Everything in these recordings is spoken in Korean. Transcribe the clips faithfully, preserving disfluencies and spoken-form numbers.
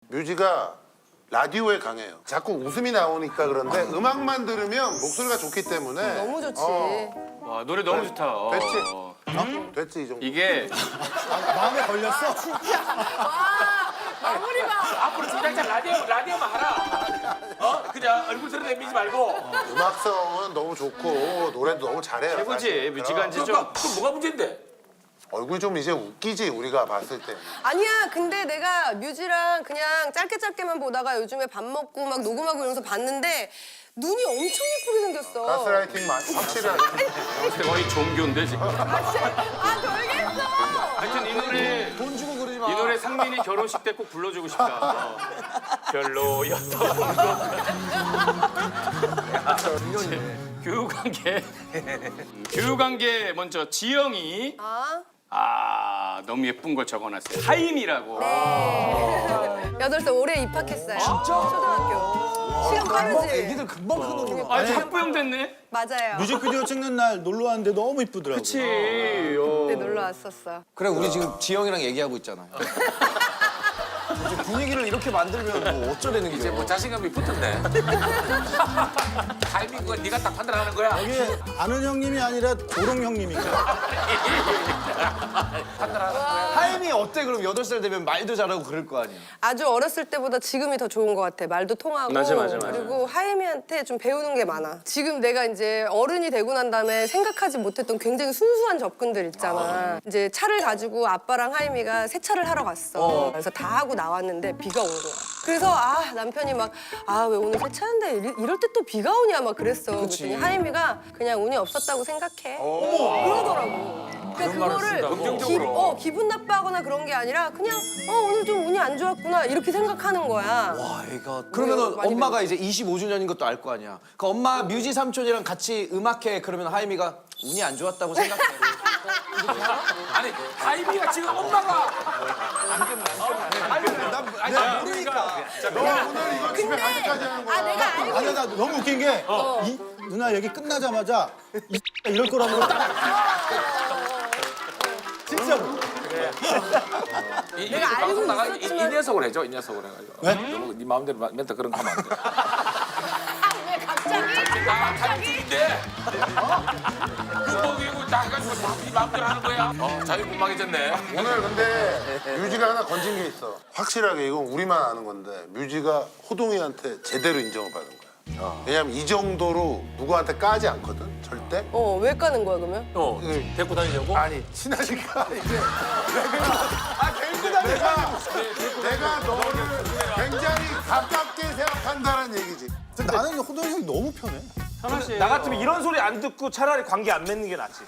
뮤지가 라디오에 강해요. 자꾸 웃음이 나오니까 그런데 음악만 들으면 목소리가 좋기 때문에 너무 좋지. 어, 와 노래 너무 좋다. 어. 됐지? 어? 됐지 이 정도. 이게 마음에 걸렸어? 마무리가. 앞으로 진짜 라디오 라디오만 하라. 어? 그냥 얼굴 소리 내미지 말고. 음악성은 너무 좋고 노래도 너무 잘해요. 최고지. 사실. 뮤지가 이제 좀 그럼 그럼 뭐가 문제인데? 얼굴 좀 이제 웃기지 우리가 봤을 때. 아니야, 근데 내가 뮤지랑 그냥 짧게 짧게만 보다가 요즘에 밥 먹고 막 녹음하고 이러면서 봤는데 눈이 엄청 예쁘게 생겼어. 가스라이팅 많이 확실하게. 거의 종교인데 지금. 아, 돌겠어. 하여튼 이 노래 돈 주고 그러지 마. 이 노래 상민이 결혼식 때 꼭 불러주고 싶다. 어. 별로였던 교육관계 교육관계 먼저 지영이 아, 아 너무 예쁜 걸 적어놨어요. 하임이라고. 네. 여덟 살 올해 입학했어요. 진짜? 초등학교. 시간 빠르지? 애기들 금방 크는구나. 아 학부형 됐네. 맞아요. 뮤직비디오 찍는 날 놀러 왔는데 너무 이쁘더라고. 그치. 네, 어. 놀러 왔었어. 그래 우리 지금 지영이랑 얘기하고 있잖아요. 이제 분위기를 이렇게 만들면 뭐 어쩌려는 이제 거야. 뭐 자신감이 붙었네. 타이밍 그거 네가 딱 판단하는 거야. 이게 아는 형님이 아니라 조롱 형님인가? 판단하는 거야. 하임이 어때 그럼 여덟 살 되면 말도 잘하고 그럴 거 아니야. 아주 어렸을 때보다 지금이 더 좋은 것 같아. 말도 통하고. 맞아, 맞아, 맞아. 그리고 하임이한테 좀 배우는 게 많아. 지금 내가 이제 어른이 되고 난 다음에 생각하지 못했던 굉장히 순수한 접근들 있잖아. 이제 차를 가지고 아빠랑 하임이가 세차를 하러 갔어. 그래서 다 하고 나왔는데 비가 온 거야. 그래서 아 남편이 막 아 왜 오늘 세차하는데 이럴, 이럴 때 또 비가 오냐 막 그랬어. 그랬더니 하임이가 그냥 운이 없었다고 생각해. 그러더라고. 그러니까 그거를 기, 어, 기분 나빠하거나 그런 게 아니라 그냥 어 오늘 좀 운이 안 좋았구나 이렇게 생각하는 거야. 와 애가 그러면은 많이 엄마가 이제 이십오 주년인 것도 알 거 아니야. 그 엄마 뮤지 삼촌이랑 같이 음악회 그러면 하임이가 운이 안 좋았다고 생각해. 아니 타이밍가 지금 엄마가 난 모르니까. 너 오늘 이거 집에 갈 때까지 하는 거야. 아 내가 알고 아니 나 너무 웃긴 게 이, 누나 얘기 끝나자마자 이 이럴 거라고 딱 진짜로. 이, 이, 내가 알고 방송 나가 이, 이 있었지만- 녀석을 해줘 이 녀석을 해가지고. 네? 너무 네 마음대로 마- 멘트 그런 거 하면 안 돼. 왜 갑자기? 아 타이밍인데. 그거 이거 다 해가지고 다네 마음대로 하는 거야. 어 자유분방해졌네. 오늘 근데 뮤지가 하나 건진 게 있어. 확실하게 이건 우리만 아는 건데 뮤지가 호동이한테 제대로 인정을 받은 거야. 왜냐면 이 정도로 누구한테 까지 않거든 절대. 어 왜 까는 거야 그러면? 어 데리고 다니려고? 아니 친하니까 이제 내가 아 데리고 다니 내가 내가 너를 굉장히 가깝게 생각한다는 얘기지. 근데 나는 호동 형이 너무 편해. 나 같으면 이런 소리 안 듣고 차라리 관계 안 맺는 게 낫지.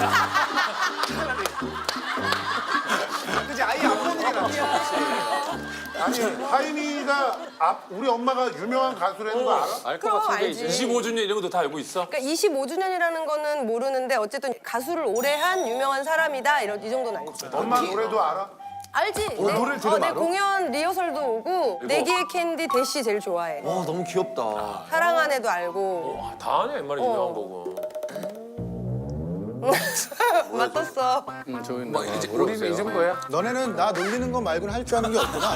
그지 아예 안 보는 게 낫지. 아니 하임이가 앞 우리 엄마가 유명한 가수라는 거 알아? 알 그럼 알지. 이십오 주년 이런 것도 다 알고 있어? 그러니까 이십오 주년이라는 거는 모르는데 어쨌든 가수를 오래 한 유명한 사람이다 이런 이 정도는 알지. 엄마 노래도 알아? 알지? 내, 노래를 어, 들으면 내 알아? 공연 리허설도 오고 내기의 캔디 대시 제일 좋아해. 와 너무 귀엽다. 사랑 안에도 알고. 아, 다 아네 옛말에 유명한 거고. 맞았어. 음, 저기 뭐 이제 우리는 이 정도야? 너네는 나 놀리는 거 말고는 할 줄 아는 게 없구나.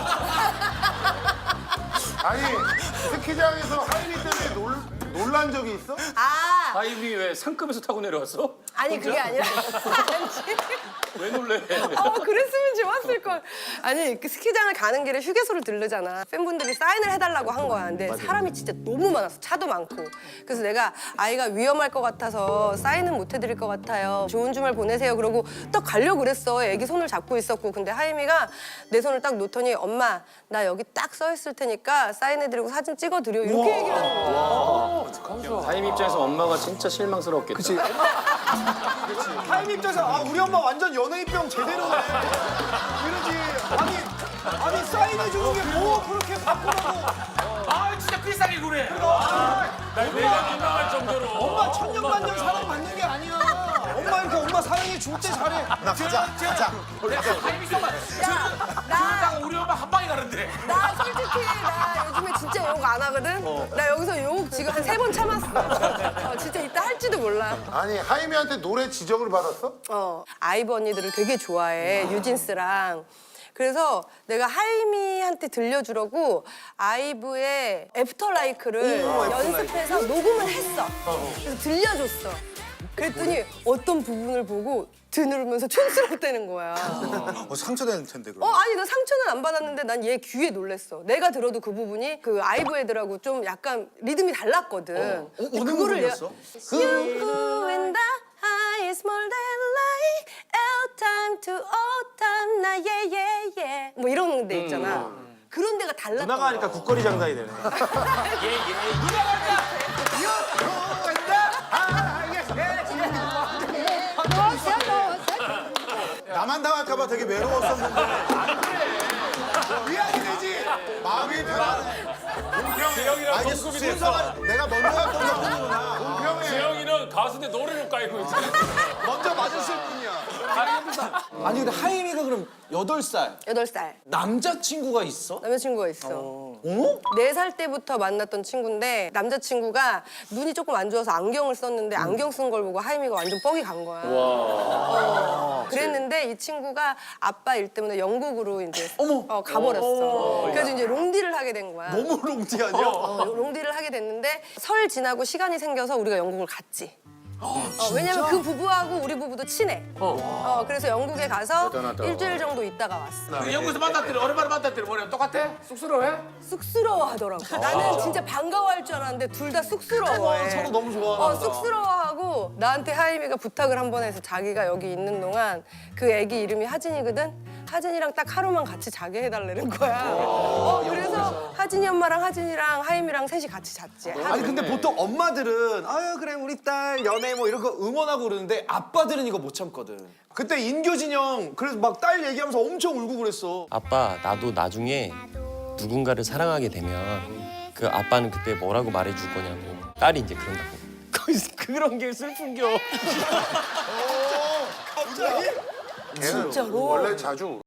아니 스키장에서 하임이 때문에 놀, 놀란 적이 있어? 아 하임이 왜 상급에서 타고 내려왔어? 아니 그게 아니라 아니지. 왜 놀래? 어 그랬으면 좋았을 걸. 아니 그 스키장을 가는 길에 휴게소를 들르잖아. 팬분들이 사인을 해달라고 한 거야. 근데 사람이 진짜 너무 많았어. 차도 많고. 그래서 내가 아이가 위험할 것 같아서 사인은 못 해드릴 것 같아요. 좋은 주말 보내세요. 그러고 딱 가려고 그랬어. 애기 손을 잡고 있었고. 근데 하임이가 내 손을 딱 놓더니 엄마 나 여기 딱 써 있을 테니까 사인해드리고 사진 찍어드려. 이렇게 얘기를 하는 거야. 하임 입장에서 엄마가 진짜 실망스럽겠다. 그치. 타임 입장에서 아 우리 엄마 완전 연예인병 제대로네. 이러지. 아니 아니 사인해 주는 게 뭐 그렇게 바꾸라고. 아 진짜 비싸게 그래. 아, 내가 민망할 정도로. 엄마 천년만년 사랑받는 게 아니야. 엄마 이렇게 엄마 사랑해 줄 때 잘해. 나 가자 가자. 타이밍 써봐. 나, 우리 엄마 한 방에 가는데. 나 솔직히 나 요즘에 진짜 욕 안 하거든. 나 여기서 욕 지금 한 세 번 참았어. 어, 진짜 이따 할지도 몰라. 아니 하임이한테 노래 지적을 받았어? 어 아이브 언니들을 되게 좋아해. 유진스랑. 그래서 내가 하이미한테 들려주려고 아이브의 애프터라이크를 연습해서 녹음을 했어. 그래서 들려줬어. 그랬더니 어떤 부분을 보고 드누르면서 촌스럽다는 거야. 어, 상처될 텐데 어 그럼. 아니 나 상처는 안 받았는데 난 얘 귀에 놀랬어. 내가 들어도 그 부분이 그 아이브 애들하고 좀 약간 리듬이 달랐거든. 어, 근데 어느 그거를 부분이었어? You and I is more than like L time to O time 나 yeah yeah yeah 뭐 이런 데 있잖아. 그런 데가 달랐던 누나가 거야. 하니까 국거리 장단이 되네. 나만 당할까봐 되게 외로웠었는데. 위안이 되지. 마음이 편하네. 재영이랑 아, 이게 동급이 순서가 됐어. 내가 먼저 했던 거구나. 재영이는 가수인데 노래를 깔고 있어. 먼저 맞았을 뿐이야. 아니 근데 하임이가 그럼 여덟 살 여덟 살 남자친구가 있어? 남자친구가 있어. 네 살 때부터 만났던 친구인데 남자친구가 눈이 조금 안 좋아서 안경을 썼는데 안경 쓴 걸 보고 하임이가 완전 뻑이 간 거야. 어, 그랬는데 이 친구가 아빠 일 때문에 영국으로 이제 어, 가버렸어. 그래서 이제 롱디를 하게 된 거야. 너무 롱티 아니야? 어, 롱디를 하게 됐는데 설 지나고 시간이 생겨서 우리가 영국을 갔지. 어, 왜냐면 그 부부하고 우리 부부도 친해. 어, 그래서 영국에 가서 일주일 정도 있다가 왔어. 그 영국에서 만났더니 오랜만에 만났더니 뭐냐 똑같아? 쑥스러워해? 쑥스러워하더라고. 나는 진짜 반가워할 줄 알았는데 둘 다 쑥스러워해. 서로 너무 좋아하나 어, 보다. 쑥스러워하고 나한테 하임이가 부탁을 한 번 해서 자기가 여기 있는 동안 그 애기 이름이 하진이거든. 하진이랑 딱 하루만 같이 자게 해달라는 거야. 어, 그래서 하진이 엄마랑 하진이랑 하임이랑 셋이 같이 잤지. 아니 근데 보통 엄마들은 아유 그래 우리 딸 연애 뭐 이런 거 응원하고 그러는데 아빠들은 이거 못 참거든. 그때 인교진 형 그래서 막 딸 얘기하면서 엄청 울고 그랬어. 아빠, 나도 나중에 누군가를 사랑하게 되면 그 아빠는 그때 뭐라고 말해줄 거냐고. 딸이 이제 그런다고. 거기서 그런 게 슬픈겨. 걔는 원래 자주